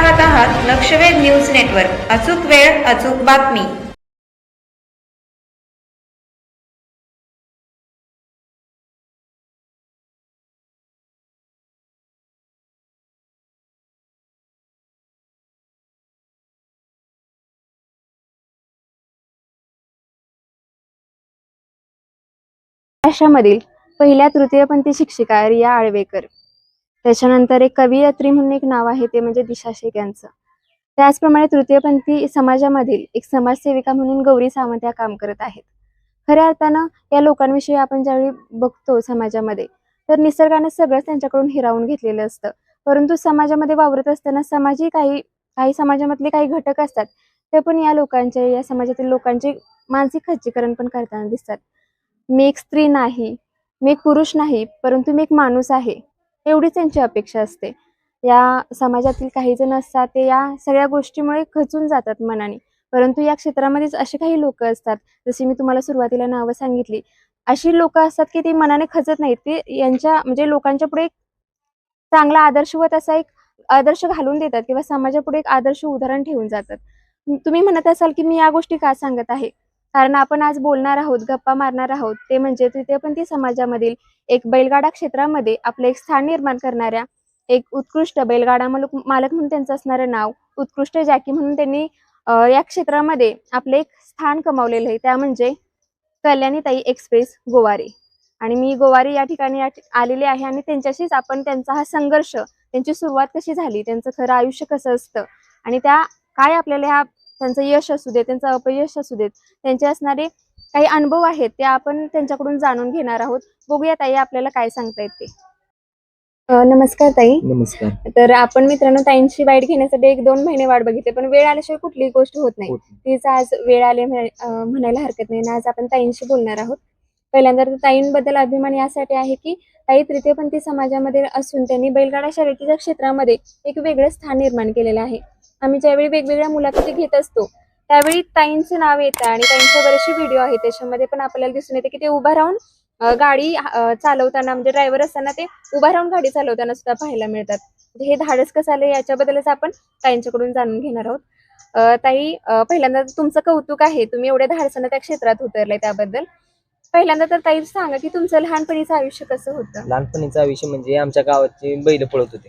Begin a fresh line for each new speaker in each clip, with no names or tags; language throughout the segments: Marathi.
पाहत आहात लक्षवेध न्यूज नेटवर्क. अचूक वेळ अचूक बातमी.
महाराष्ट्रामधील पहिल्या तृतीयपंथी शिक्षिका रिया आळवेकर. त्याच्यानंतर एक कवयित्री म्हणून एक नाव आहे, ते म्हणजे दिशा शेख यांचं. त्याचप्रमाणे तृतीयपंथी समाजामधील एक समाजसेविका म्हणून गौरी सावंत या काम करत आहेत. खऱ्या अर्थानं या लोकांविषयी आपण ज्यावेळी बघतो समाजामध्ये, तर निसर्गाने सगळंच त्यांच्याकडून हिरावून घेतलेलं असतं. परंतु समाजामध्ये वावरत असताना काही काही समाजामधले काही घटक असतात, ते पण या लोकांचे, या समाजातील लोकांचे मानसिक खच्चीकरण पण करताना दिसतात. मी एक स्त्री नाही, मी एक पुरुष नाही, परंतु मी एक माणूस आहे, एवढीच त्यांची अपेक्षा असते. या समाजातील काही जण असतात, ते या सगळ्या गोष्टीमुळे खचून जातात मनाने. परंतु या क्षेत्रामध्येच असे काही लोक असतात, जशी मी तुम्हाला सुरुवातीला नावं सांगितली, अशी लोक असतात की ती मनाने खचत नाहीत. ते यांच्या म्हणजे लोकांच्या पुढे एक चांगला आदर्शवत असा एक आदर्श घालून देतात किंवा समाजापुढे एक आदर्श उदाहरण ठेवून जातात. तुम्ही म्हणत असाल की मी या गोष्टी का सांगत आहे, कारण आपण आज बोलणार आहोत, गप्पा मारणार आहोत, ते म्हणजे तृतीयपंथी समाजामधील एक बैलगाडा क्षेत्रामध्ये आपलं एक स्थान निर्माण करणाऱ्या एक उत्कृष्ट बैलगाडा मालक म्हणून त्यांचं असणारं नाव, उत्कृष्ट जॅकी म्हणून त्यांनी या क्षेत्रामध्ये आपले एक स्थान कमावलेलं आहे, त्या म्हणजे कल्याणीताई एक्सप्रेस गोवारी. आणि मी गोवारी या ठिकाणी आलेले आहे आणि त्यांच्याशीच आपण त्यांचा हा संघर्ष, त्यांची सुरुवात कशी झाली, त्यांचं खरं आयुष्य कसं असतं आणि त्या काय आपल्याला ह्या त्यांचं यश असू दे, त्यांचं अपयश असू देत, त्यांचे असणारे काही अनुभव आहेत ते आपण त्यांच्याकडून जाणून घेणार आहोत. बघूया ताई आपल्याला काय सांगता येते. नमस्कार ताई.
नमस्कार.
तर आपण मित्रांनो ताईंची वाईट घेण्यासाठी 1-2 महिने वाट बघितली, पण वेळ आल्याशिवाय कुठलीही गोष्ट होत नाही. तीच आज वेळ आली म्हणायला हरकत नाही. आज आपण ताईंशी बोलणार आहोत. पहिल्यांदा ताईंबद्दल अभिमान यासाठी आहे की ताई तृतीयपंथी समाजामध्ये असून त्यांनी बैलगाडा शर्यतीच्या क्षेत्रामध्ये एक वेगळं स्थान निर्माण केलेलं आहे. आम्ही ज्यावेळी वेगवेगळ्या मुलाखती घेत असतो, त्यावेळी ताईंचं नाव येतं आणि ताईंचे बरेचसे व्हिडिओ आहेत, त्याच्यामध्ये पण आपल्याला दिसून येते की ते उभा राहून गाडी चालवताना, म्हणजे ड्रायव्हर असताना ते उभा राहून गाडी चालवताना सुद्धा पाहायला मिळतात. हे धाडस कसं आलं याच्याबद्दलच आपण ताईंच्याकडून जाणून घेणार आहोत. ताई, पहिल्यांदा तुमचं कौतुक आहे, तुम्ही एवढ्या धाडसानं त्या क्षेत्रात उतरलाय त्याबद्दल. पहिल्यांदा तर ताई सांगा की तुमचं लहानपणीचं आयुष्य कसं होतं.
लहानपणीचं आयुष्य म्हणजे आमच्या गावाची बैल पळत होते.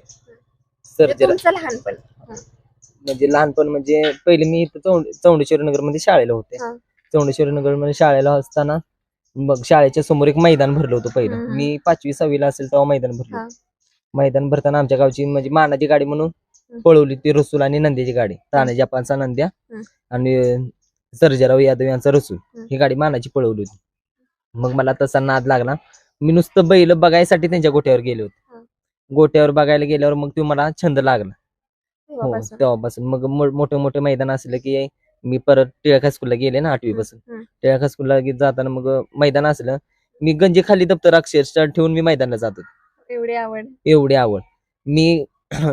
तुमचं लहानपण
म्हणजे लहानपण म्हणजे पहिले मी इथं चौंडेश्वरी नगर मध्ये शाळेला होते. चौंडेश्वरी नगर मध्ये शाळेला असताना मग शाळेच्या समोर एक मैदान भरलं होतं पहिलं. मी 5वी-6वी ला असेल तेव्हा मैदान भरलं. मैदान भरताना आमच्या गावची म्हणजे मानाची गाडी म्हणून पळवली ती रसूल आणि नंद्याची गाडी, तानाजी जपानचा नंद्या आणि सर्जेराव यादव यांचा रसूल, ही गाडी मानाची पळवली होती. मग मला तसा नाद लागला. मी नुसतं बैल बघायसाठी त्यांच्या गोट्यावर गेले होते. गोट्यावर बघायला गेल्यावर मग तो मला छंद लागला. हो, तेव्हापासून मग मोठे मोठे मैदान असले की मी परत टिळक हायस्कूलला गेले ना 8वी पासून. टिळक हायस्कूलला जाताना मग मैदान असलं, मी गंजी खाली दप्तर अक्षरशः ठेवून मी मैदानाला जात होतो. एवढी आवड. मी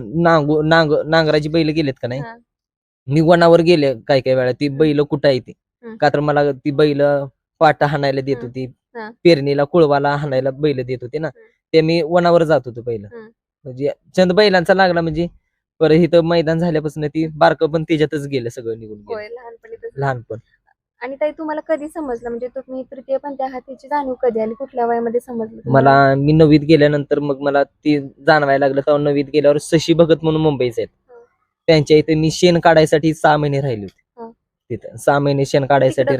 नांगराची बैल गेलेत का नाही, मी वनावर गेले काही वेळा, ती बैल कुठं आहे ती, का तर मला ती बैल पाटा हाणायला देत होती, पेरणीला कुळवाला हाणायला बैल देत होती ना, ते मी वनावर जात होतो पहिलं. म्हणजे छंद बैलांचा लागला. म्हणजे परत इथं मैदान झाल्यापासून ती बारकं पण त्याच्यातच गेलं, सगळं निघून गेलं लहानपण.
आणि ताई तुम्हाला कधी समजलं, म्हणजे तुम्ही तृतीयपंथी आहात त्याची जाणीव कधी आली, कुठल्या वयामध्ये समजलं
मला? मी 9वीत गेल्यानंतर मग मला ती जाणवायला लागलं. तेव्हा 9वीत गेल्यावर शशी भगत म्हणून मुंबईचे आहेत, त्यांच्या इथे मी शेण काढायसाठी 6 महिने राहिले होते. तिथं 6 महिने शेण काढायसाठी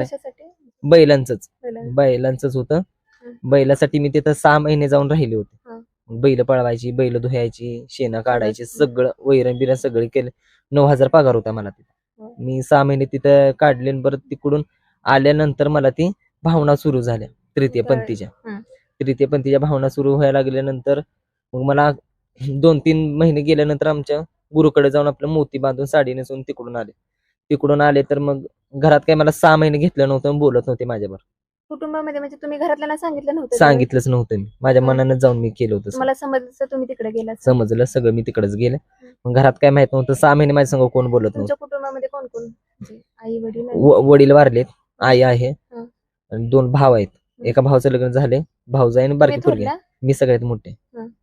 बैलांचंच होतं. बैलासाठी मी तिथं 6 महिने जाऊन राहिले होते. बैल पळवायची, बैल धुवायची, शेण काढायची, सगळं वैरण बिरण सगळं केलं. 9,000 पगार होता मला तिथं. मी 6 महिने तिथं काढले. परत तिकडून आल्यानंतर मला ती भावना सुरू झाल्या तृतीयपंथीच्या भावना सुरू व्हायला लागल्यानंतर मग मला 2-3 महिने गेल्यानंतर आमच्या गुरुकडे जाऊन आपलं मोती बांधून साडी नेसून तिकडून आले तर मग घरात काही मला 6 महिने घेतलं नव्हतं, बोलत नव्हते माझ्याबरोबर.
कुटुंबामध्ये म्हणजे तुम्ही घरातल्यांना सांगितलं नव्हतं?
सांगितलंच नव्हतं मी, माझ्या मनानं जाऊन मी केलं होतं.
मला समजलं तुम्ही तिकडे गेला?
समजलं सगळं, मी तिकडेच गेले. मग घरात काय माहित नव्हतं. 6 महिने माझ्या संग कोण बोलत नव्हतं.
तुमच्या कुटुंबामध्ये कोण कोण, आई वडील?
वडील वारलेत, आई आहे आणि 2 भाव आहेत. एका भावाचं लग्न झाले, भाऊजाई आणि बारकी पोरगी. मी सगळ्यात मोठे.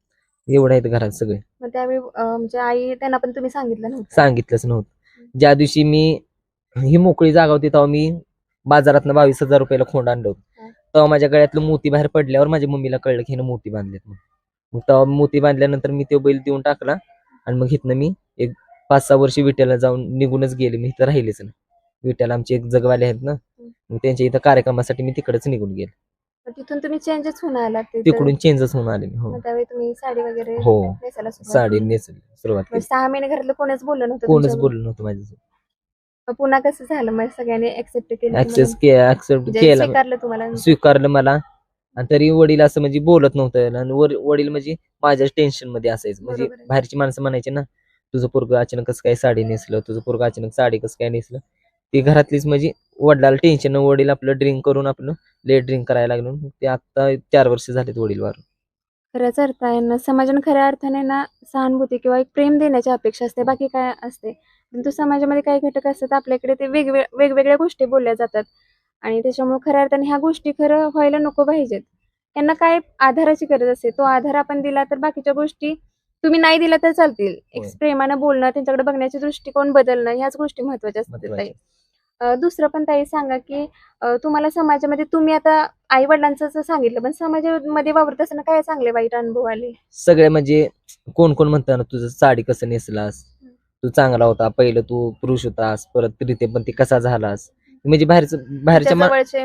एवढं आहेत घरात सगळे.
मग त्यावेळी म्हणजे आई त्यांना पण तुम्ही सांगितलं नव्हतं?
सांगितलंच नव्हतं. ज्या दिवशी मी ही मोकळी जागा होती तेव्हा मी बाजारातनं 22,000 रुपयाला खोंड आणलं होतं.
हा.
तेव्हा माझ्या गळ्यातलं मोती बाहेर पडल्यावर माझ्या मम्मीला कळलं की हिनं मोती बांधलेत म्हणून. मग तेव्हा मोती बांधल्यानंतर मी तो बैल देऊन टाकला आणि मग इथनं मी एक 5-6 वर्ष विट्याला जाऊन निघूनच गेले. मी इथं राहिलेच नाही. विट्याला आमचे एक जगवाले आहेत ना, मग त्यांच्या इथं कार्यक्रमासाठी मी तिकडेच निघून गेले.
मग तिथून तुम्ही चेंजच होऊन आलात तिथं?
तिकडून चेंजच होऊन आले मी. हो,
मग त्यावेळी तुम्ही साडी वगैरे
हो.
नेसायला सुरुवात
साडी
केली?
नेसली सुरुवात
मग
केली.
6 महिने घरातलं कोणच बोललं नव्हतं
कोणच
तुमच्याबरोबर?
बोललं नव्हतं माझ्यासोबत.
मग पुन्हा कसं झालं, मग सगळ्यांनी ऍक्सेप्ट केलं
ऍक्सेप्ट
म्हणजे
केला,
स्वीकारलं तुम्हाला?
स्वीकारलं मला. आणि तरी वडील असं म्हणजे बोलत नव्हतं. आणि वडील म्हणजे माझ्याच टेन्शन मध्ये असायचं. म्हणजे
बरोबर आहे.
बाहेरची माणसं म्हणायची ना, तुझं पोरगं अचानक कसं काय साडी नेसलं, तुझं पोरगं अचानक साडी कसं काय नेसलं. ती घरातलीच म्हणजे वडिलाला टेन्शन. वडील आपलं ड्रिंक करून आपलं लेट ड्रिंक करायला लागलो. ते आता 4 वर्ष झालेत वडील वारून.
खऱ्याच अर्थाने समाजाने खऱ्या अर्थाने ना सहानुभूती किंवा एक प्रेम देण्याची अपेक्षा असते, बाकी काय असते. परंतु समाजामध्ये काही घटक असतात आपल्याकडे, ते वेगवेगळ्या गोष्टी बोलल्या जातात आणि त्याच्यामुळे खऱ्या अर्थाने ह्या गोष्टी खरं व्हायला नको पाहिजेत. त्यांना काय आधाराची गरज असते, तो आधार आपण दिला तर बाकीच्या गोष्टी तुम्ही नाही दिला तर चालतील. एक
होय.
प्रेमानं बोलणं, त्यांच्याकडे बघण्याचे दृष्टिकोन बदलणं, ह्याच गोष्टी महत्वाच्या असतात ताई.
महत्वाचं.
दुसरं पण ताई सांगा की तुम्हाला समाजामध्ये, तुम्ही आता आई वडिलांचं सांगितलं, पण समाजामध्ये वावरत असताना काय चांगले वाईट अनुभव आले?
सगळे म्हणजे कोण कोण म्हणतात ना, तुझं साडी कसं नेसलास, तू चांगला होता, पहिलं तू पुरुष होतास, परत तृतीय पण ती कसा झालास. म्हणजे बाहेरच्या
जवळचे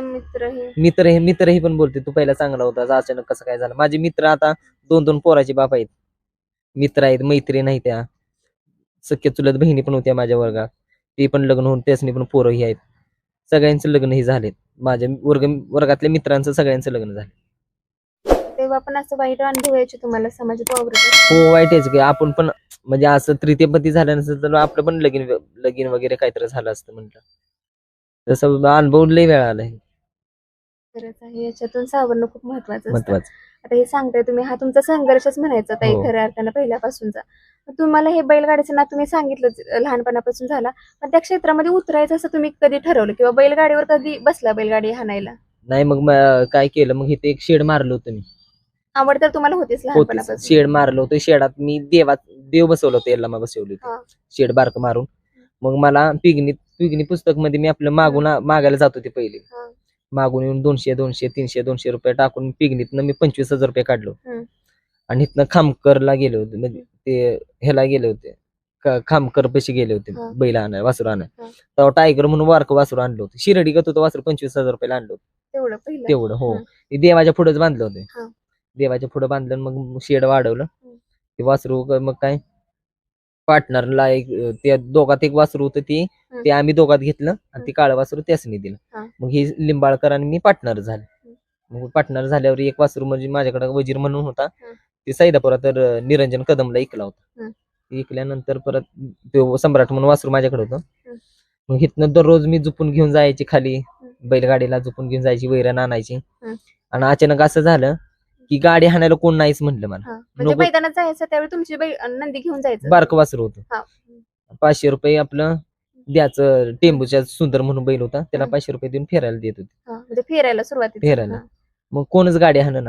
मित्रही पण बोलते तू पहिला चांगला होतास, अचानक कसं काय झालं. माझे मित्र आता 2-2 पोराचे बाप आहेत, मित्र आहेत, मैत्रीण आहेत. त्या सख्या चुलत बहिणी पण होत्या माझ्या वर्गात, ते पण लग्न होऊन त्यासनी पण पोरही आहेत. सगळ्यांचं लग्नही झालेत. माझ्या वर्गातल्या मित्रांचं सगळ्यांचं लग्न झालं.
तेव्हा पण असं वाईट अनुभव यायचे तुम्हाला समाजात वावरत असताना?
हो, वाईटच की. आपण पण म्हणजे असं तृतीयपती झालं नसेल तर आपलं पण लगीन वगैरे काहीतरी झालं असतं म्हटलं. तसं अनुभव लय वेळा आलाय.
खरंच आहे, याच्यातून सावरणं खूप महत्वाचं असतं.
महत्वाचं.
आता हे सांगताय तुम्ही, हा तुमचा संघर्षच म्हणायचा ताई
हो.
खऱ्या अर्थानं पहिल्यापासूनचा. तुम्हाला हे बैलगाडीचं ना, तुम्ही सांगितलं लहानपणापासून झाला, पण त्या क्षेत्रामध्ये उतरायचं असं तुम्ही कधी ठरवलं किंवा बैलगाडीवर कधी बसला बैलगाडी हाणायला?
नाही, मग काय केलं, मग इथे एक शेड मारलं होतं मी.
आवड तर तुम्हाला होतीच लहानपणापासून?
शेड मारलं होतं. शेडात मी देव बसवलं होतं, याला बसवली
हा.
होती शेड बारक मारून. मग मला पिगनी पुस्तक मध्ये मी आपलं मागायला जात होते पहिले.
हा.
मागून येऊन 200 रुपये टाकून पिगनीतनं मी 25,000 रुपये काढलो. आणि इथनं खामकरला गेले होते, म्हणजे ते ह्याला गेले होते, खामकर पैसे गेले होते
हा.
बैल आणाय, वासरू आणाय.
हा.
तेव्हा टायगर म्हणून वारक वासरू आणलं होतं. शिर्डी गत होतं वासरू, 25,000 रुपयाला आणलं होतं.
तेवढं पहिलं?
तेवढं, हो. ते देवाच्या पुढेच बांधलं होतं.
हा.
देवाच्या पुढे बांधलं, मग शेड वाढवलं. ते वासरू मग काय पार्टनरला एक, त्या दोघात एक वासरू होतं, ते आम्ही दोघात घेतलं आणि ते काळं वासरू त्यासनी दिलं. मग ही लिंबाळकर आणि मी पार्टनर झाले. मग पार्टनर झाल्यावर एक वासरू म्हणजे माझ्याकडे वजीर म्हणून होता, ते सैदापुरात तर निरंजन कदमला ऐकला होता. ऐकल्यानंतर परत तो सम्राट म्हणून वासरू माझ्याकडे होतं. मग इथनं दररोज मी झुपून घेऊन जायची खाली, बैलगाडीला झुपून घेऊन जायची, वैरण आणायची. आणि अचानक असं झालं की गाडी हाणायला कोण नाहीच म्हणलं मला.
म्हणजे मैदानात जायचं त्यावेळी तुमची नंदी घेऊन जायचं?
बारकं वासरू होतं.
हा.
500 रुपये आपलं द्यायचं. टेंबूच्या सुंदर म्हणून बैल होता, त्याला 500 रुपये देऊन फिरायला देत होते.
म्हणजे फिरायला सुरुवातीला?
फिरायला. मग कोणच गाडी हाणना.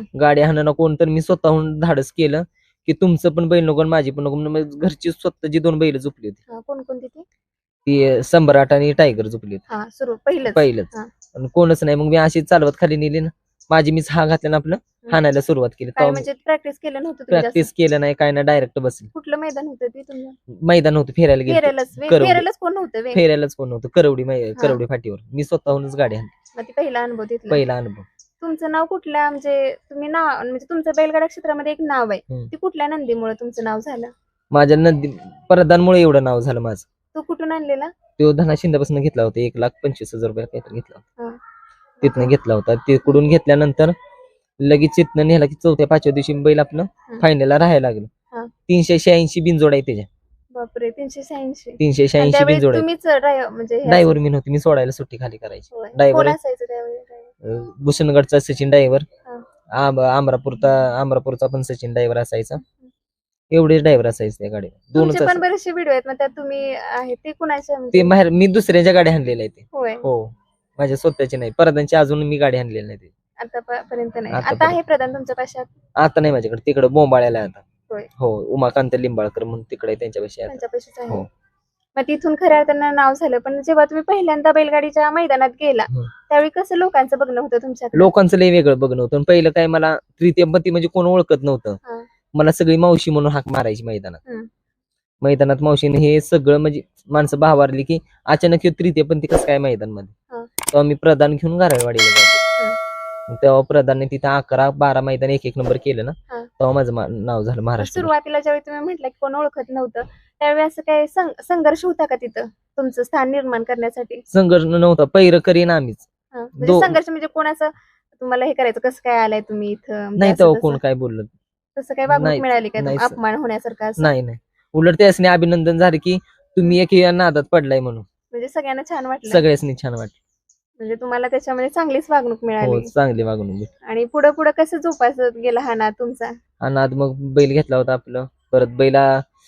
कोण, तर मी स्वतःहून धाडस केलं की तुमचं पण बैल नको आणि माझी पण नको. मग घरची स्वतःची 2 बैल झोपली होती.
कोणकोणती
ती सम्राट आणि टायगर झोपली होती. पहिलंच. आणि कोणच नाही. मग मी अशी चालवत खाली नेली ना, माझी मीच हा घातल्यानं आपलं हाणायला सुरुवात केली.
म्हणजे प्रॅक्टिस केलं नव्हतं?
प्रॅक्टिस केलं नाही, काय नाही, डायरेक्ट बसली.
कुठलं मैदान होतं ते तुमचं?
मैदान होतं, फिरायला गेलो.
फिरायलाच कोण नव्हतं?
फेरायलाच कोण नव्हतं. करवडी फाटीवर मी स्वतःहूनच गाडी आणली.
ते पहिला अनुभव तिथला?
पहिला अनुभव.
तुमचं नाव कुठल्या, म्हणजे तुम्ही नाव, म्हणजे तुमचं बैलगाडा क्षेत्रामध्ये एक नाव आहे, ते कुठल्या नंदीमुळे तुमचं नाव झालं?
माझ्या नंदी प्रधानमुळे एवढं नाव झालं माझं.
तो कुठून आणलेला?
तो धना शिंदेपासून घेतला होता, 1,25,000 रुपये काहीतरी घेतला होता.
हा.
तिथनं घेतला होता. तिकडून घेतल्यानंतर लगेच तिथनं नेला की 4थ्या-5व्या दिवशी बैल आपलं फायनलला राहायला लागलं. 386 बिनजोड आहे त्याच्या.
बापरे, 386?
386 बिनजोड.
तुम्हीच म्हणजे
ड्रायव्हर मी नव्हती, मी सोडायला सुट्टी खाली करायची.
कोण
ड्रायव्हर
असायचं त्यावेळी?
भूषणगडचा सचिन ड्रायव्हर, अमरापूरचा पण सचिन ड्रायव्हर असायचा. एवढेच ड्रायव्हर असायचे त्या गाडीवर.
तुमचे पण बरेचसे व्हिडिओ आहेत, मग त्यात तुम्ही आहे ते कुणाच्या?
ते बाहेर मी दुसऱ्याच्या गाडी आणलेल्या आहे ते.
होय.
हो, माझ्या स्वतःची नाही. प्रधानची अजून मी गाडी आणलेली नाही.
आतापर्यंत नाही? आता आहे प्रधान तुमच्या पाशात?
आता नाही माझ्याकडे, तिकडे बोंबाळ्याला आहे आता.
होय.
हो, उमाकांत लिंबाळकर म्हणून तिकडे त्यांच्यापाशी आहे.
त्यांच्यापाशीच आहे.
हो.
मग तिथून खऱ्या अर्थानं नाव झालं, पण जेव्हा तुम्ही पहिल्यांदा बैलगाडीच्या मैदानात गेला
हं.
त्यावेळी कसं लोकांचं बघणं होतं तुमच्याकडे?
लोकांचं लय वेगळं बघणं होतं. आणि पहिलं काय मला तृतीयपंथी म्हणजे कोण ओळखत नव्हतं.
हा.
मला सगळी मावशी म्हणून हाक मारायची मैदानात.
हं.
मैदानात मावशीने हे सगळं म्हणजे माणसं भावारली की अचानक ह्यो तृतीयपंथी कसं काय मैदानमध्ये.
हा.
तेव्हा मी प्रधान घेऊन घरावाडीला जातो. मग तेव्हा प्रधानने तिथं 11-12 मैदान एक नंबर केलं ना,
हा.
तेव्हा माझं नाव झालं महाराष्ट्र.
सुरुवातीला ज्यावेळी तुम्ही म्हटलं की कोण ओळखत नव्हतं त्यावेळी असं काही संघर्ष होता का तिथं तुमचं स्थान निर्माण करण्यासाठी?
संघर्ष नव्हता, पैर करीन आम्हीच.
म्हणजे संघर्ष म्हणजे कोणाचं तुम्हाला हे करायचं, कसं काय आलाय तुम्ही इथं, म्हणजे
नाही
असं
तेव्हा
तसं?
कोण काय बोललं
तसं काही वागणूक
नाही,
मिळाली का,
नाही,
अपमान होण्यासारखं असं?
नाही. उलट त्यासने अभिनंदन झाले की तुम्ही एक या नादात पडलाय म्हणून.
म्हणजे सगळ्यांना छान वाटलं,
सगळ्यांनी छान वाटलं.
म्हणजे तुम्हाला त्याच्यामध्ये चांगलीच वागणूक
हो,
मिळाली.
चांगली वागणूक भेटली.
आणि पुढे पुढे कसं जोपासत गेला हा नाद तुमचा?
आणि आज मग बैल घेतला होता आपलं. परत बैला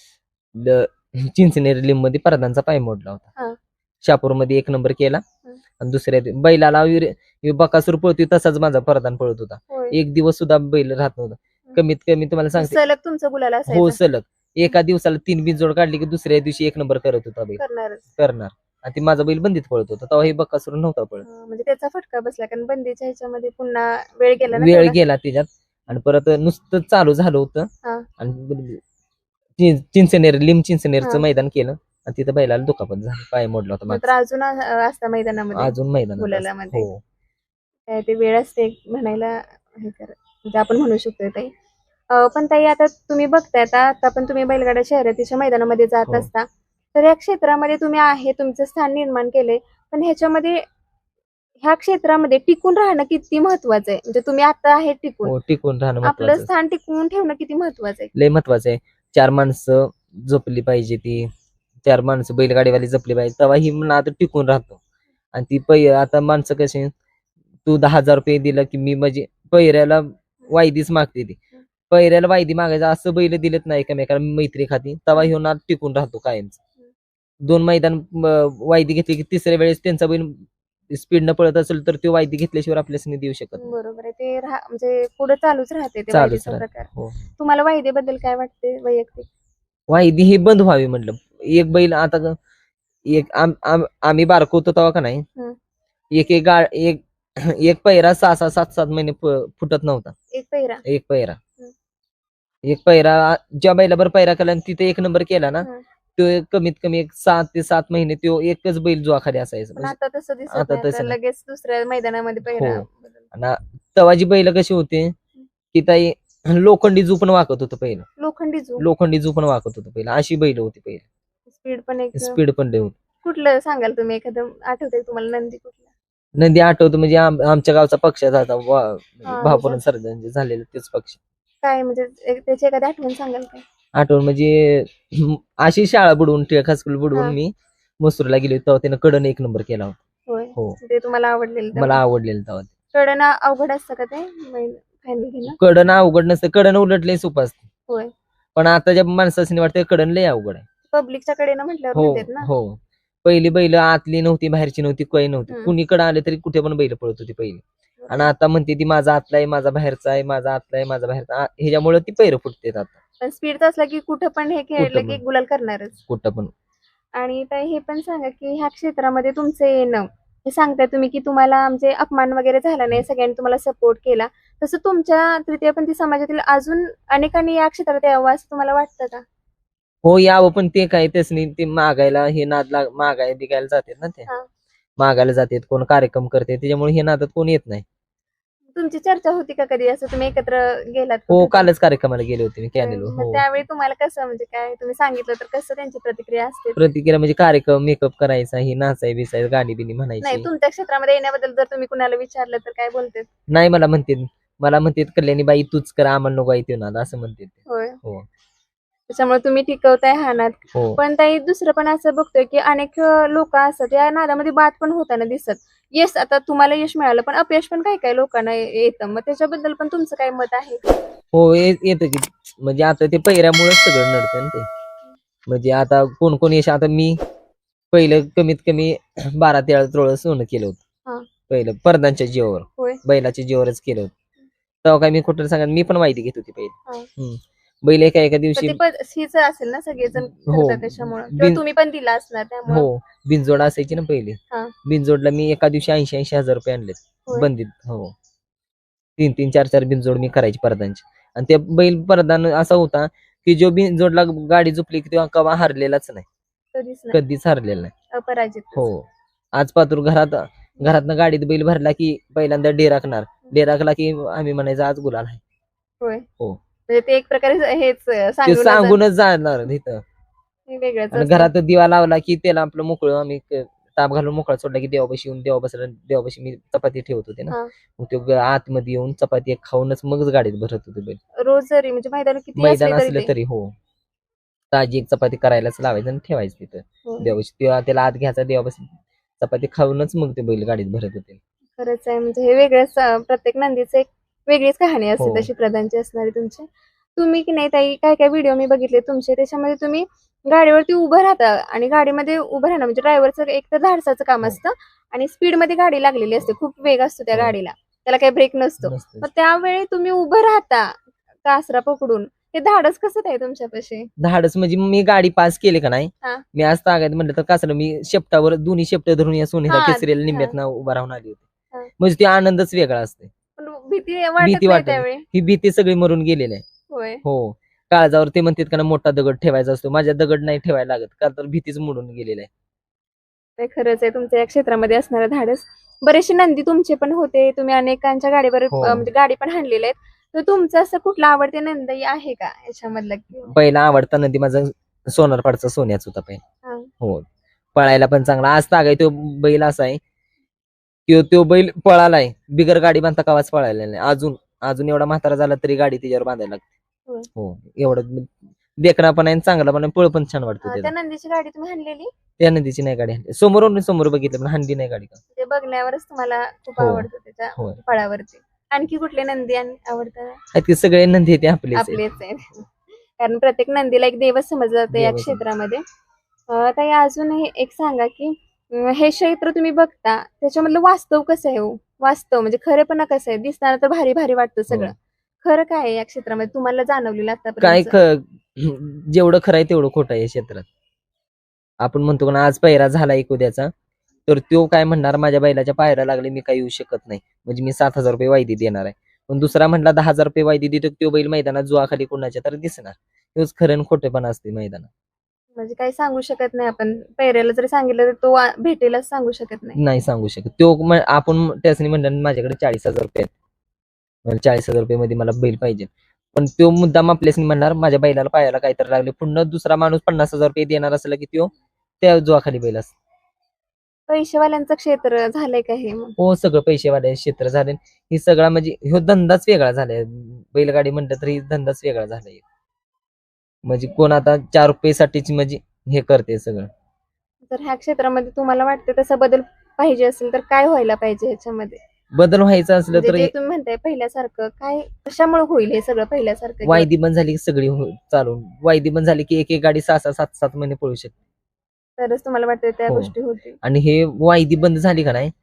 चिंचनेर लिंब मध्ये प्रधानचा पाय मोडला
हा.
होता. शापूर मध्ये 1 नंबर केला.
हं.
आणि दुसऱ्या बैलाला बकासूर पळतोय तसाच माझा प्रधान पळत होता.
होय.
एक दिवस सुद्धा बैल राहत नव्हता. कमीत कमी तुम्हाला सांगते,
सलग तुमचं गुलाल
हो
असायचं?
सलग एका दिवसाला 3 बिनजोड काढली की दुसऱ्या दिवशी 1 नंबर करत होता बैल. करणार. आणि ती माझा बैल बंदीत पळत होता तेव्हा हे बकासूर नव्हता पळत.
म्हणजे त्याचा फटका बसला, कारण बंदीच्या ह्याच्यामध्ये पुन्हा वेळ गेला ना
वेळ
तेवढा?
गेला त्याच्यात. आणि परत नुसतं चालू झालं होतं.
हा.
आणि चिंचनेरचं
हा.
मैदान केलं आणि तिथं बैलाला दुखापत झाली, पाय मोडला होता
मात्र
मागचा.
अजून असता मैदानामध्ये?
अजून मैदान
गुलालामध्ये?
हो.
काय ते वेळ असते म्हणायला, हे कर म्हणजे आपण म्हणू शकतो ताई. पण ताई आता तुम्ही बघताय, आता पण तुम्ही बैलगाडा शर्यतीच्या मैदानामध्ये जात
हो.
असता, तर या क्षेत्रामध्ये तुम्ही आहे, तुमचं स्थान निर्माण केलंय, पण ह्या क्षेत्रामध्ये टिकून राहणं किती महत्वाचं आहे? म्हणजे तुम्ही आता आहे टिकून,
हो, टिकून राहणं
आपलं
महत्वाचं.
स्थान टिकवून ठेवणं किती महत्वाचं आहे?
लय महत्वाचं आहे. 4 माणसं जपली पाहिजे, ती 4 माणसं बैलगाडीवाली जपली पाहिजे, तेव्हा ही नाद टिकून राहतो. आणि ती आता माणसं कशी, तू 10,000 रुपये दिलं की मी म्हणजे पैऱ्याला वायदीच मागते ती. पैऱ्याला वायदी मागायचं असं बैल दिलेत नाही एकमेकाला मैत्री खाती, तेव्हा ह्यो नाद टिकून राहतो कायमच. 2 मैदान वायदी घेतली की तिसऱ्या वेळेस त्यांचा बैल स्पीडनं पळत असेल तर तो वायदी घेतल्याशिवाय आपल्याला देऊ शकत नाही.
बरोबर आहे. ते म्हणजे पुढे चालूच राहते ते
चालूच
वायदेचा
राहते.
प्रकार.
हो.
तुम्हाला वायदेबद्दल काय वाटते वैयक्तिक?
वायदी ही बंद व्हावी म्हटलं. एक बैल आता आम्ही बारको होतो तेव्हा का नाही,
हं.
एक पैरा 6-6, 7-7 महिने फुटत नव्हता.
एक पैरा?
एक पैरा ज्या बैलाबर पैरा केला आणि तिथे 1 नंबर केला ना,
हं.
तो कमीत कमी 6 ते 7 महिने तो एकच बैल जुआखाली असायचा.
पण आता तसं दिसत
आता
नाही.
तसं
आता
नाही.
लगेच दुसऱ्या मैदानामध्ये पैरा
हो. आणि तेव्हा जी बैल कशी होते की ताई, लोखंडी जू पण वाकत होतं पहिलं. लोखंडी जू पण वाकत होतं पहिलं, अशी बैल होती पहिली.
स्पीड पण एक
स्पीड पण लय होती.
कुठलं सांगाल तुम्ही, एखादं आठवतंय तुम्हाला नंदी कुठला?
नंदी आठवतो म्हणजे आमच्या गावचा पक्षाचा होता,
हा,
भापूर सर्जन झालेलं तेच पक्ष.
काय म्हणजे त्याची एखादी आठवण सांगाल काय?
आठवण म्हणजे अशी शाळा बुडवून हायस्कूल
हा.
बुडवून मी मसूरला गेलो तेव्हा त्यानं कडन 1 नंबर केला होता.
होय.
हो.
ते तुम्हाला आवडलेलं?
मला आवडलेलं तेव्हा.
कडन अवघड असतं का ते फायनल घेणं?
कडन अवघड नसतं, कडन उलट लय सोपं असतं.
होय.
पण आता ज्या माणसाने वाटतं कडन लय अवघड आहे.
पब्लिकच्या कडेनं म्हटल्यावर
हो
म्हणतात ना.
हो. पहिली बैल आतली नव्हती, बाहेरची नव्हती, काही नव्हती.
हं.
कुणीकडे आले तरी कुठे पण बैल पळत होती पहिली. आणि आता म्हणते ती माझा आतला आहे, माझा बाहेरचा आहे, माझा आतला आहे, माझा बाहेरचा. ह्याच्यामुळे ती पैर फुटतात आता.
पण स्पीडचा असला की कुठं पण हे खेळलं
कुठं
की
पण.
गुलाल करणारच.
कुठं पण.
आणि ताई हे पण सांगा की ह्या क्षेत्रामध्ये तुमचं येणं, हे सांगताय तुम्ही की तुम्हाला म्हणजे अपमान वगैरे झाला नाही, सगळ्यांनी तुम्हाला सपोर्ट केला, तसं तुमच्या तृतीयपंथी समाजातील अजून अनेकांनी या क्षेत्रात यावं असं तुम्हाला वाटतं का?
हो, यावं, पण ते काय त्यासनी ते मागायला हे मागायला बिगायला जातात ना, ते
हा.
मागायला जातात, कोण कार्यक्रम करते, त्याच्यामुळे हे नादात कोण येत नाही.
तुमची चर्चा होती का कधी असं, तुम्ही एकत्र गेलात
हो,
कुठे?
कालच कार्यक्रमाला गेले होते मी कॅनेलवर.
मग
हो.
त्यावेळी तुम्हाला कसं, म्हणजे काय तुम्ही सांगितलं तर कसं त्यांची प्रतिक्रिया असते?
प्रतिक्रिया म्हणजे कार्यक्रम, मेकअप करायचा, ही नाचाय बिसाय, गाणी बिनी
नाही,
म्हणायची.
तुमच्या क्षेत्रामध्ये येण्याबद्दल जर तुम्ही कुणाला विचारलं तर काय बोलते?
नाही, मला म्हणते कल्याणी बाई तूच कर, आम्हाला नको येते नाद, असं म्हणते.
होय.
हो.
त्याच्यामुळे तुम्ही टिकवताय हा नाद.
हो.
पण ताई दुसरं पण असं बघतोय की अनेक लोक असतात या नादामध्ये बाद पण होताना दिसत. येस, आता तुम्हाला यश मिळालं, पण अपयश पण काही काही लोकांना येतं. मग त्याच्याबद्दल पण तुमचं काय मत आहे?
हो, येतं की. म्हणजे आता ते पैऱ्यामुळेच सगळं नडतं ना ते. म्हणजे आता कोण कोण यश, आता मी पहिलं कमीत कमी 12-13 तोळं सोनं केलं
हा.
होतं. पहिलं परदांच्या जीवावर,
होय.
बैलाच्या जीवावरच केलं होतं. तेव्हा काय मी कुठं सांगा, मी पण वायदी घेत होती
हा.
पहिले. बैल एका एका
पण
दिवशी
ते हीच असेल ना सगळेजण
हो.
करतात त्याच्यामुळे किंवा तुम्ही पण दिला असणार त्यामुळे.
हो बिनजोड असायची ना पहिले.
हा.
बिनजोडला मी एका दिवशी 80,000 रुपये आणलेत
होय.
बंदीत. हो 3-3, 4-4 बिनजोड मी करायची परदांची. आणि ते बैल परदान असा होता की जो बिनजोडला गाडी झोपली की तेव्हा कवा हारलेलाच नाही,
कधीच नाही,
कधीच हारलेला नाही.
अपराजित.
हो आज पातूर घरातनं गाडीत बैल भरला की पहिल्यांदा डेराकला की आम्ही म्हणायचं आज गुलाल आहे.
होय.
हो.
म्हणजे ते एक प्रकारे हेच
ते सांगूनच जाणार तिथं.
वेगळंच
आणि
असतं.
घरात दिवा लावला की त्याला आपलं मोकळं आम्ही ताप घालून मोकळा सोडला की देवापाशी येऊन देवापाशी मी चपाती ठेवत होते ना.
हा.
मग तो आतमध्ये येऊन चपाती एक खाऊनच मगच गाडीत भरत होते बैल.
रोज जरी म्हणजे मैदान किती
मैदान
असले
असलं तरी हो ताजी एक चपाती करायलाच लावायचं आणि ठेवायचं तिथं
हो.
देवापाशी. तेव्हा त्याला आत घ्यायचा देवापाशी चपाती खाऊनच मग ते बैल गाडीत भरत होते.
खरंच आहे म्हणजे हे वेगळंच प्रत्येक नंदीचं एक वेगळीच कहाणी असते
हो.
तशी प्रधानची असणारी तुमची. तुम्ही की नाही ताई काय काय व्हिडिओ मी बघितले तुमचे त्याच्यामध्ये तुम्ही गाडीवरती उभं राहता आणि गाडीमध्ये उभं राहणं म्हणजे ड्रायव्हरचं एक तर धाडसाचं काम
हो.
असतं आणि स्पीड मध्ये गाडी लागलेली असते, खूप वेग असतो त्या
हो.
गाडीला, त्याला काही ब्रेक नसतो.
नसतं.
मग त्यावेळी तुम्ही उभं राहता कासरा पकडून, हे धाडस कसं काय तुमच्यापाशी?
धाडस म्हणजे मी गाडी पास केली का नाही,
हा.
मी आज तागायत म्हणलं तर कसं मी शेपटावर दोन्ही शेपट धरून या सोनेला
हा,
केसरीला
हा.
निम्म्यात उभा राहून आली
हा.
होती. म्हणजे ते आनंदच वेगळा असते.
पण भीती वाटत
भीती
नाही
वाटत
त्यावेळी?
ही भीती सगळी मरून गेलेली आहे.
होय.
हो काळजावर ते म्हणतात का ना मोठा दगड ठेवायचा असतो, माझ्या दगड नाही ठेवायला लागत का तर भीतीच मोडून गेलेली आहे.
ते खरंच आहे तुमच्या या क्षेत्रामध्ये असणारं धाडस. बरेचसे नंदी तुमचे पण होते, तुम्ही अनेकांच्या गाडीवर
हो.
म्हणजे गाडी पण हाणलेल्या आहेत. तर तुमचं असं कुठला आवडते नंदी आहे का याच्यामधला?
पहिला आवडता नंदी माझा सोनारपाडचा सोन्याच होता पहिला.
हा.
हो पळायला पण चांगला. आज तागाय तो बैल असा आहे तो बैल पळालाय बिगर गाडी बांधता कवाच पळायला नाही. अजून एवढा म्हातारा झाला तरी गाडी त्याच्यावर बांधायला लागते.
होय.
हो एवढं देखणा पण आहे चांगला पण आहे, पळ पण छान वाटतो
त्या
त्याचा.
नंदीची गाडी तुम्ही हाणलेली?
त्या नंदीची नाही गाडी हाणली. समोर बघितलं पण हांडी नाही गाडी का.
ते बघण्यावरच तुम्हाला खूप
हो.
आवडतं त्याच्या
होय.
फळावरती. आणखी कुठले नंदी आवडतात?
आहेत ते सगळे नंदी ते आपलेच आहेत.
आपलेच आहेत. कारण प्रत्येक नंदीला एक देवच समजलं जातं या
देवच.
क्षेत्रामध्ये. ताई अजून हे एक सांगा की हे क्षेत्र तुम्ही बघता त्याच्यामधलं वास्तव कसं आहे हो? वास्तव म्हणजे खरेपणा कसं आहे? दिसताना तर भारी भारी वाटतं सगळं. खरं काय आहे या क्षेत्रामध्ये तुम्हाला जाणवलेलं
काय
आतापर्यंत?
जेवढं खरं आहे तेवढं खोटं आहे या क्षेत्रात. आपण म्हणतो ना आज पैरा झाला एक उद्याचा, तर तो काय म्हणणार माझ्या बैलाच्या पायऱ्या लागले मी काही येऊ शकत नाही, म्हणजे मी 7,000 रुपये वायदी देणार आहे. पण दुसरा म्हणला 10,000 रुपये वायदी देतो, तो बैल मैदानात जुआखाली कोणाच्या तर दिसणार. हेच खरं आणि खोटेपणा असते मैदानात.
म्हणजे काही सांगू शकत नाही आपण. पैऱ्याला जरी सांगितलं तर तो भेटेलच सांगू शकत नाही.
नाही सांगू शकत. तो आपण त्यासनी म्हणलं माझ्याकडे 40,000 रुपये आहेत, मला 40,000 रुपये मध्ये मला बैल पाहिजे. पण तो मुद्दाम आपल्यासनी म्हणणार माझ्या बैलाला पायाला काहीतरी लागले. पुन्हा दुसरा माणूस 50,000 रुपये देणार असला की तो त्या जुआखाली बैल असतो.
पैसेवाल्यांचं क्षेत्र झालंय का हे मग?
हो सगळं पैसेवाले क्षेत्र झाले. हे सगळा म्हणजे ह्यो धंदाच वेगळा झालाय. बैलगाडी म्हणलं तरी धंदाच वेगळा झालाय. म्हणजे कोण आता 4 रुपयेसाठीच म्हणजे हे करते सगळं.
तर ह्या क्षेत्रामध्ये तुम्हाला वाटतं तसा बदल पाहिजे असेल तर काय व्हायला पाहिजे ह्याच्यामध्ये?
बदल व्हायचा असलं तर
जे तुम्ही म्हणताय पहिल्यासारखं काय कशामुळे होईल हे सगळं पहिल्यासारखं?
वायदी बंद झाली की सगळी चालून वायदी बंद झाली की एक गाडी 6-6, 7-7 महिने पळू शकते.
तरच तुम्हाला वाटतं त्या
हो.
गोष्टी होतील.
आणि हे वायदी बंद झाली का नाही,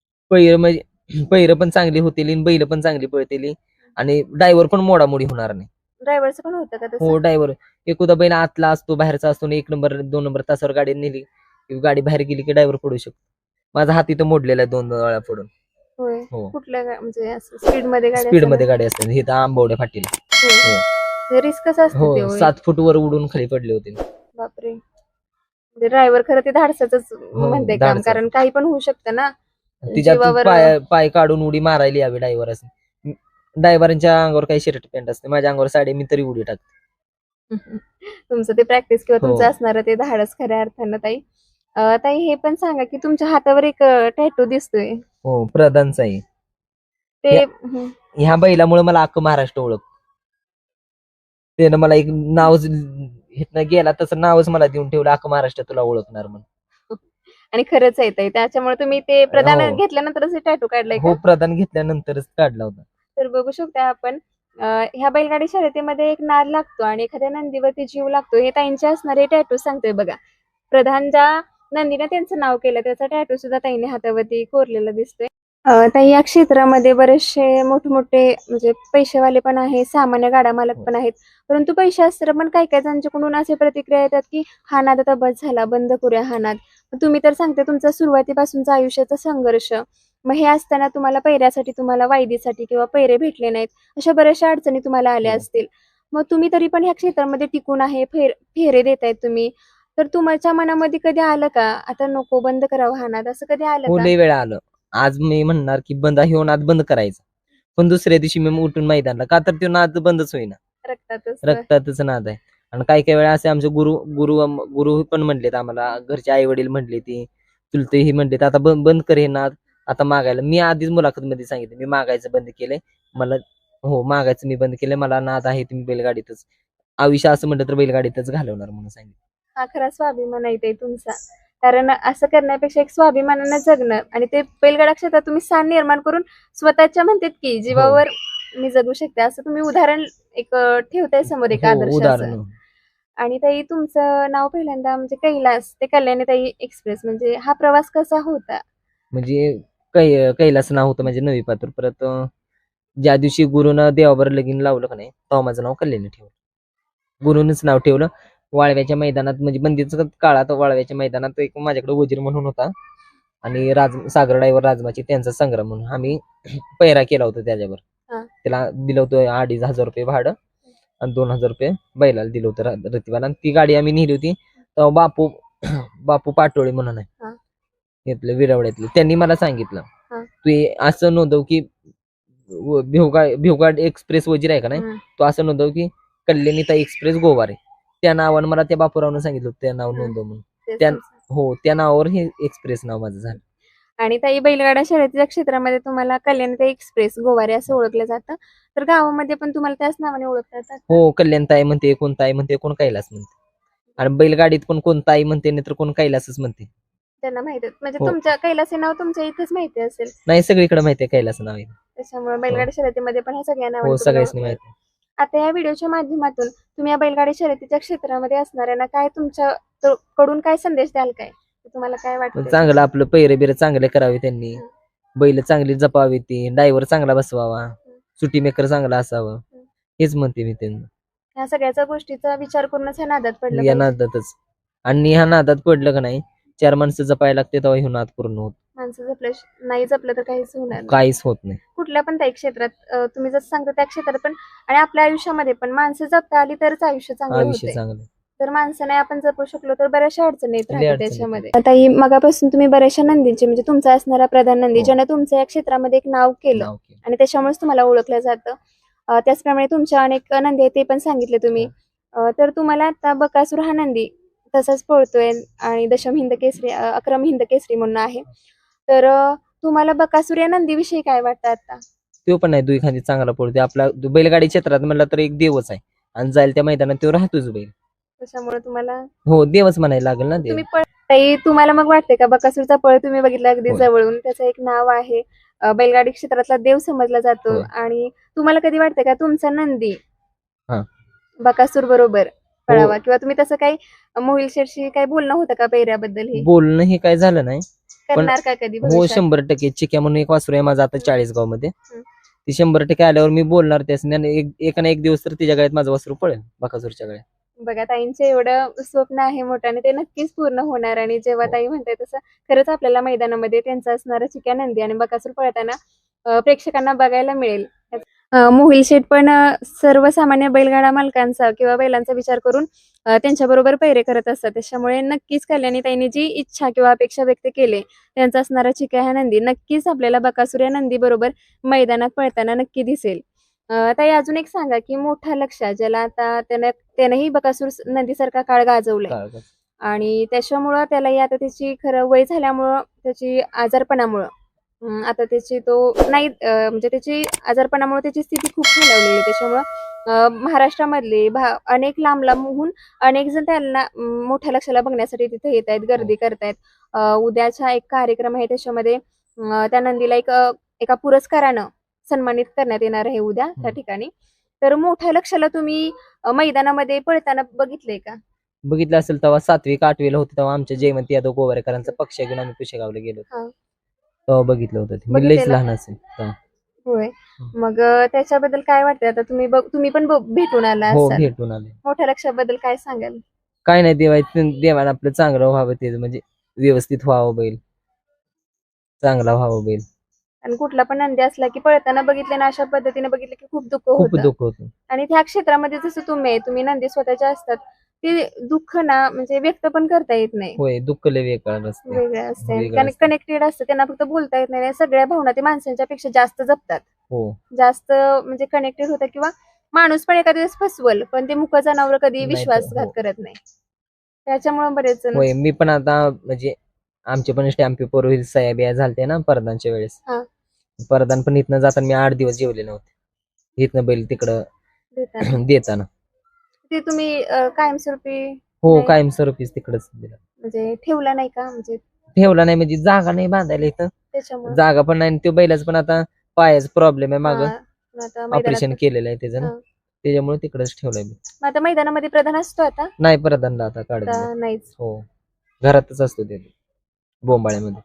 पैर पण चांगली होतील आणि बैल पण चांगली पळतील आणि ड्रायव्हर पण मोडामोडी होणार नाही.
ड्रायव्हरचं पण होतं का
हो
तसं?
ड्रायव्हर एखादा बैल आतला असतो बाहेरचा असतो, 1 नंबर 2 नंबर तासावर गाडी नेली की गाडी बाहेर गेली की ड्रायव्हर पडू शकतो. माझा हात इथं मोडलेला आहे 2 वेळा पडून.
होय.
हो.
कुठल्या म्हणजे असं स्पीड मध्ये गाडी
स्पीड मध्ये गाडी असते हे तर आंबवड्या फाटीला. हो.
रिस्क कसं असतं ते?
हो
होय.
7 फूट वर उडून खाली पडले होते.
बापरे. म्हणजे ड्रायव्हर खरं ते धाडसाच म्हणते काम,
धाडसाचं.
कारण काही पण होऊ शकतं ना.
तिच्यात
जीवावर
पाय काढून उडी मारायला यावी ड्रायव्हर असं. ड्रायव्हरांच्या अंगावर काही शर्ट पॅन्ट असते, माझ्या अंगावर साडी मी तरी उडी टाकते.
तुमचं ते प्रॅक्टिस किंवा
हो.
तुमचं असणार ते धाडस खऱ्या अर्थानं. ताई ताई हे पण सांगा की तुमच्या हातावर एक टॅटू दिसतोय
हो प्रधानचा आहे.
ते
ह्या बैलामुळे मला अख्खं महाराष्ट्र ओळख. त्यानं मला एक नाव हिथनं गेला तसं नावच मला देऊन ठेवलं, अख्खं महाराष्ट्र तुला ओळखणार म्हणून.
आणि खरंच आहे ताई, त्याच्यामुळे तुम्ही ते प्रदान
हो.
घेतल्यानंतरच टॅटू काढलाय का?
हो प्रदान घेतल्यानंतरच काढला होता.
तर बघू शकता आपण ह्या बैलगाडी शर्यतीमध्ये एक नाद लागतो आणि एखाद्या नंदीवरती जीव लागतो, हे ताईंचे असणारे टॅटू सांगतोय बघा. प्रधान ज्या नंदीने त्यांचं नाव केलं त्याचा टॅटू सुद्धा ताईने हातावरती कोरलेला दिसतोय. ताई, या क्षेत्रामध्ये बरेचसे मोठमोठे म्हणजे पैसेवाले पण आहेत, सामान्य गाडा मालक पण आहेत. परंतु पैसे असताना पण काही काही जणांच्याकडून असे प्रतिक्रिया येतात की हा नाद आता बस झाला, बंद करूया हा नाद. मग तुम्ही तर सांगते तुमचा सुरुवातीपासूनचा आयुष्याचा संघर्ष. मग हे असताना तुम्हाला पैऱ्यासाठी, तुम्हाला वायदीसाठी किंवा पैरे भेटले नाहीत, अशा बऱ्याचशा अडचणी तुम्हाला आल्या
हो.
असतील. मग तुम्ही तरी पण ह्या क्षेत्रामध्ये टिकून आहे, फेरे देतायत तुम्ही. तर तुमच्या मनामध्ये कधी आलं का, आता नको, बंद करावं हा नाद, असं कधी आलं
हो,
का?
लय वेळा आलं. आज मी म्हणणार की ह्यो नाद बंद करायचा, पण दुसऱ्या दिवशी मी उठून मैदानला, का तर तो नाद बंदच होईना.
रक्तातच.
रक्तातच नाद आहे. आणि काही काही वेळा असे आमचे गुरु गुरु गुरु पण म्हणलेत आम्हाला, घरचे आई वडील म्हणले, ती चुलते ही म्हणलेत, आता बंद कर हे नाद, आता मागायला. मी आधीच मुलाखत मध्ये सांगितलं, मी मागायचं बंद केलंय. मला हो, मागायचं मी बंद केलंय, मला नाद आहे, तुम्ही बैलगाडीतच आयुष्य असं म्हटलं तर बैलगाडीतच घालवणार म्हणून सांगितलं.
हा खरा स्वाभिमान आहे ते तुमचा. कारण असं करण्यापेक्षा एक स्वाभिमानानं जगणं आणि ते बैलगाडा क्षेत्रात तुम्ही स्थान निर्माण करून स्वतःच्या म्हणतात की जीवावर मी जगू शकते, असं तुम्ही उदाहरण एक ठेवताय समोर, एक
हो,
आदर्शाचं.
उदाहरण.
आणि ताई, तुमचं नाव पहिल्यांदा म्हणजे कैलास ते कल्याणीताई एक्सप्रेस, म्हणजे हा प्रवास कसा होता?
म्हणजे कैलास नाव होतं म्हणजे नवी पात्र. परत ज्या दिवशी गुरुनं देवाबर लगीन लावलं का नाही, तेव्हा माझं नाव कल्याणी ठेवलं. गुरुनच नाव ठेवलं. वाळव्याच्या मैदानात, म्हणजे बंदीच्या काळात वाळव्याच्या मैदानात एक माझ्याकडे वजीर म्हणून होता, आणि सागर ड्रायव्हर राजमाची, त्यांचा संग्राम म्हणून आम्ही पैरा केला होता त्याच्यावर.
हा.
त्याला दिलं होतं 2,500 भाडं, आणि 2,000 बैलाला दिलं होतं रतिबाला. आणि ती गाडी आम्ही नेली होती. तेव्हा बापू पाटोळे म्हणून आहे,
हा.
इथले विरवड्यातले, त्यांनी मला सांगितलं,
हा.
तू असं नोंदव की भिवगाड एक्सप्रेस वजीर आहे का नाही, तो असं नोंदव की कल्याणीताई एक्सप्रेस गोवारे. त्या नावानं मला त्या बापूरावनं सांगितलं होतं, त्या नाव नोंदव म्हणून. त्या नावावर हे एक्सप्रेस नाव माझं झालं.
आणि ताई, बैलगाडा शर्यतीच्या क्षेत्रामध्ये तुम्हाला कल्याणीताई एक्सप्रेस गोवारे असं ओळखलं जातं. तर गावामध्ये पण तुम्हाला त्याच नावाने ओळखलं जातं?
हो, कल्याणताई म्हणते, कोण ताई म्हणते, कोण कैलास म्हणते. आणि बैलगाडीत पण कोण ताई म्हणते, नाही तर कोण कैलासच म्हणते.
त्यांना माहिती म्हणजे
हो.
तुमच्या कैलास हे नाव तुमच्या इथेच माहिती असेल,
नाही, सगळीकडे माहिती आहे कैलास नाव आहे.
त्याच्यामुळे बैलगाडी शर्यतीमध्ये पण ह्या सगळ्या
हो,
नावाने
सगळ्यांनी
तुम्हाला
माहिती आहे.
आता या व्हिडिओच्या माध्यमातून तुम्ही या बैलगाडी शर्यतीच्या क्षेत्रामध्ये असणाऱ्यांना काय कडून काय संदेश द्याल, काय तुम्हाला काय वाटतं?
चांगलं आपलं पैरे बिरे चांगले करावे त्यांनी, बैल चांगली जपावी, ती ड्रायव्हर चांगला बसवावा, सुटी मेकर चांगला असावं, हेच म्हणते मी त्यांना.
ह्या सगळ्या गोष्टीचा विचार करूनच ह्या नादात पडलं
या
पाहिजे.
नादातच. आणि ह्या नादात पडलं का नाही, 4 माणसं जपायला लागते, तेव्हा हे नाद पूर्ण होत.
माणसं नाही जपलं तर काहीच होणार नाही.
काहीच होत नाही.
कुठल्या पण त्या क्षेत्रात तुम्ही जसं सांगता त्या क्षेत्रात पण, आणि आपल्या आयुष्यामध्ये पण माणसं जपता आली तरच आयुष्य चांगलं
आयुष्य
होते.
चांगलं.
तर माणसं नाही आपण जपू शकलो तर बऱ्याचशा अडचणी येत
लय
राहतात
अडचणी
त्याच्यामध्ये. आता ही मगापासून तुम्ही बऱ्याचशा नंदींची, म्हणजे तुमचा असणारा प्रधान नंदी,
हो.
ज्यानं तुमचं या क्षेत्रामध्ये एक नाव केलं
नाव केलं.
आणि त्याच्यामुळेच तुम्हाला ओळखलं जातं. त्याचप्रमाणे तुमच्या अनेक नंदी आहेत, ते पण सांगितले तुम्ही. तर तुम्हाला आता बकासूर हा नंदी तसाच पळतोय आणि दशम हिंद केसरी, अक्रम हिंद केसरी म्हणून आहे. तर तुम्हाला बकासूर या नंदीविषयी काय वाटतं आता?
तो पण नाही, दुई खांदी चांगला पडतो. आपला बैलगाडी क्षेत्रात म्हणला तर एक देवच आहे, आणि जाईल त्या मैदानात तो राहतोच बैल.
त्याच्यामुळे तुम्हाला
हो, देवच म्हणायला लागेल ना देव.
तुम्ही ताई, तुम्हाला मग वाटते का बकासूरचा पळ तुम्ही बघितला अगदी
होय.
जवळून, त्याचं एक नाव आहे, बैलगाडी क्षेत्रातला देव समजला जातो.
होय.
आणि तुम्हाला कधी वाटतं का तुमचा नंदी
हा.
बकासूर बरोबर पळावा, किंवा तुम्ही तसं काही मोहिल शेठशी काही बोलणं होतं का पैऱ्याबद्दल? हे
बोलणं हे काय झालं नाही.
करणार का कधी
हो,
भविष्यात?
100%. चिक्या म्हणून एक वासरू आहे माझं आता 40गाव मध्ये,
हं.
ती 100% आल्यावर मी बोलणार त्यासनी, आणि एक ना एक दिवस तर तिच्या गळ्यात माझं वासरू पळेल, बकासूरच्या गळ्यात.
बघा, ताईंचे एवढं स्वप्न आहे मोठं आणि ते नक्कीच पूर्ण होणार. आणि जेव्हा ताई म्हणताय तसं खरंच आपल्याला मैदानामध्ये त्यांचा असणारा चिक्या नंदी आणि बकासूर पळताना प्रेक्षकांना बघायला मिळेल. मोहिल शेठ पण सर्वसामान्य बैलगाडा मालकांचा किंवा बैलांचा विचार करून त्यांच्याबरोबर पैरे करत असतात. त्याच्यामुळे नक्कीच कल्याणीताईंनी जी इच्छा किंवा अपेक्षा व्यक्त केली, त्यांचा असणारा चिक्या ह्या नंदी नक्कीच आपल्याला बकासूर या नंदी बरोबर मैदानात पळताना नक्की दिसेल. ताई, अजून एक सांगा की मोठा लक्ष्य, ज्याला आता त्यानेही बकासूर नंदीसारखा काळ गाजवलाय, आणि त्याच्यामुळं त्यालाही आता त्याची खरं वय झाल्यामुळं, त्याची आजारपणामुळं आता त्याची तो नाही म्हणजे त्याची आजारपणामुळे त्याची स्थिती खूप खालावलेली आहे. त्याच्यामुळं महाराष्ट्रामधले अनेक लांब लांबहून अनेक जण त्यांना मोठ्या लक्षाला बघण्यासाठी तिथे येत आहेत, गर्दी करतायत. उद्याचा एक कार्यक्रम आहे, त्याच्यामध्ये त्या नंदीला एका पुरस्कारानं सन्मानित करण्यात येणार आहे उद्या त्या ठिकाणी. तर मोठ्या लक्षाला तुम्ही मैदानामध्ये पळताना बघितलंय का?
बघितलं असेल तेव्हा 7वी का 8वीला होते, तेव्हा आमच्या जयवंत यादव गोवारेकरांचा पक्ष घेऊन आम्ही पुशेगावला गेलो. तेव्हा बघितलं होतं ते. मी लईच
बघितलेलं?
लहान असेल तेव्हा.
होय. मग त्याच्याबद्दल काय वाटतंय आता तुम्ही पण भेटून आला
हो
असाल.
भेटून आले.
मोठ्या लक्षाबद्दल काय सांगाल?
काय नाही देवाने आपलं चांगलं व्हावं, ते म्हणजे व्यवस्थित व्हावं बैल, चांगला व्हावं बैल.
आणि कुठला पण नंदी असला की पळताना बघितले ना, अशा पद्धतीने बघितलं की खूप दुःख
खूप
होतं.
दुःख होतं.
आणि त्या क्षेत्रामध्ये जसं तुम्ही नंदी स्वतःच्या असतात, ते दुःख ना म्हणजे व्यक्त पण करता येत नाही.
होय, दुःख लय वेगळं असते.
वेगळं असते
वेगळं
कारण
असतं.
कनेक्टेड असतं, त्यांना फक्त बोलता येत नाही. सगळ्या भावना ते माणसांच्या पेक्षा जास्त जपतात,
हो
जास्त म्हणजे कनेक्टेड होतात. किंवा माणूस पण एखाद्या वेळेस फसवल, पण ते मुक जनावर कधी
नाही तर,
विश्वासघात
हो.
करत नाही. त्याच्यामुळे बरेच जण
होय, मी पण आता म्हणजे आमचे पण स्टॅम्प पेपर होईल, सह्या बिया झालते ना परदानच्या वेळेस.
हा.
परदान पण इथनं जाताना मी 8 दिवस जेवले नव्हते, इथनं बैल तिकडं
देताना
देताना.
ते तुम्ही कायमस्वरूपी
हो
नाही,
कायमस्वरूपीच तिकडच दिलं.
म्हणजे ठेवला नाही का? म्हणजे
ठेवला नाही म्हणजे जागा नाही बांधायला इथं,
त्याच्यामुळे
जागा पण नाही. तो बैलाच पण आता पायाचा प्रॉब्लेम आहे, मागं
आता
ऑपरेशन
मैदानात
केलेलं आहे त्याचं ना,
हा.
त्याच्यामुळे तिकडच ठेवलंय मी.
मग आता मैदानामध्ये प्रधान असतो आता
नाही प्रधानला आता काढून दिलं.
आता नाहीच.
हो घरातच असतो ते बोंबाळ्यामध्ये.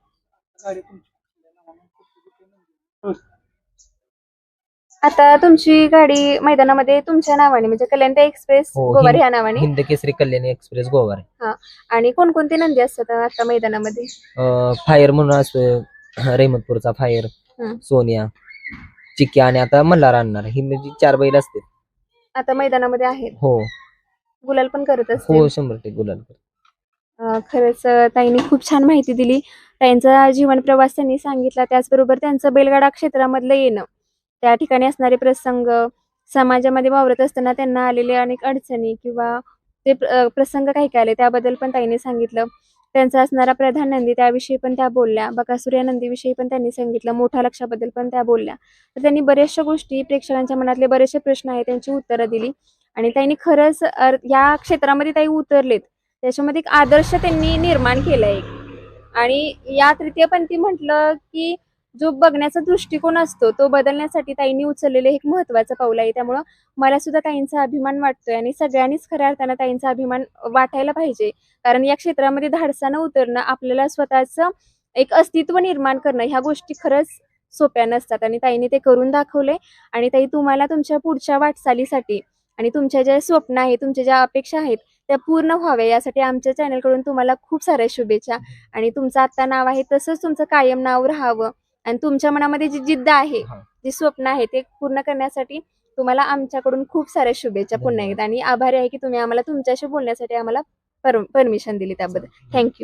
आता तुमची गाडी मैदानामध्ये तुमच्या नावाने म्हणजे कल्याणता एक्सप्रेस
हो
गोवार ह्या नावाने.
हिंद केसरी कल्याणी एक्सप्रेस गोवार.
हा. आणि कोणकोणते नंदी असतात आता मैदानामध्ये?
फायर म्हणून असतो, रेहमतपूरचा फायर,
हम्म.
सोनिया, चिक्या आणि आता मल्हार आणणार, ही म्हणजे 4 बैल असते
आता मैदानामध्ये आहेत.
हो
गुलाल पण करत
हो
असतील.
100% गुलाल.
खरंच ताईंनी खूप छान माहिती दिली. त्यांचा जीवन प्रवास त्यांनी सांगितला, त्याचबरोबर त्यांचं बैलगाडा क्षेत्रामधलं येणं, त्या ठिकाणी असणारे प्रसंग, समाजामध्ये वावरत असताना त्यांना आलेले अनेक अडचणी किंवा ते प्रसंग काही काय आले त्याबद्दल पण ताईंनी सांगितलं. त्यांचा असणारा प्रधान नंदी त्याविषयी पण त्या बोलल्या. बकासूर या नंदीविषयी पण त्यांनी सांगितलं. मोठ्या लक्षाबद्दल पण त्या बोलल्या. तर त्यांनी बऱ्याचशा गोष्टी, प्रेक्षकांच्या मनातले बरेचसे प्रश्न आहेत त्यांची उत्तरं दिली. आणि ताईंनी खरंच या क्षेत्रामध्ये ताई उतरलेत, त्याच्यामध्ये एक आदर्श त्यांनी निर्माण केलाय. आणि या तृतीयपंथी म्हटलं की जो बघण्याचा दृष्टिकोन असतो तो बदलण्यासाठी ताईंनी उचललेले एक महत्त्वाचं पाऊल आहे. त्यामुळं मला सुद्धा ताईंचा अभिमान वाटतोय आणि सगळ्यांनीच खऱ्या अर्थानं ताईंचा अभिमान वाटायला पाहिजे. कारण या क्षेत्रामध्ये धाडसानं उतरणं, आपल्याला स्वतःचं एक अस्तित्व निर्माण करणं, ह्या गोष्टी खरंच सोप्या नसतात आणि ताईंनी ते करून दाखवले. आणि ताई, तुम्हाला तुमच्या पुढच्या वाटचालीसाठी आणि तुमच्या ज्या स्वप्न आहेत, तुमच्या ज्या अपेक्षा आहेत त्या पूर्ण व्हाव्या, यासाठी आमच्या चॅनलकडून तुम्हाला खूप साऱ्या शुभेच्छा. आणि तुमचं आता नाव आहे तसंच तुमचं कायम नाव राहावं. आणि तुमच्या मनामध्ये जी जिद्द आहे, जी स्वप्न आहे ते पूर्ण करण्यासाठी तुम्हाला आमच्याकडून खूप साऱ्या शुभेच्छा पुन्हा एकदा. आणि आभारी आहे की तुम्ही आम्हाला तुमच्याशी बोलण्यासाठी आम्हाला परमिशन दिली, त्याबद्दल थँक्यू.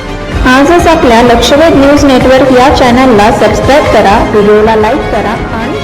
आजच आपल्या लक्षवेध न्यूज नेटवर्क या चॅनलला सबस्क्राईब करा, व्हिडिओला लाईक करा आणि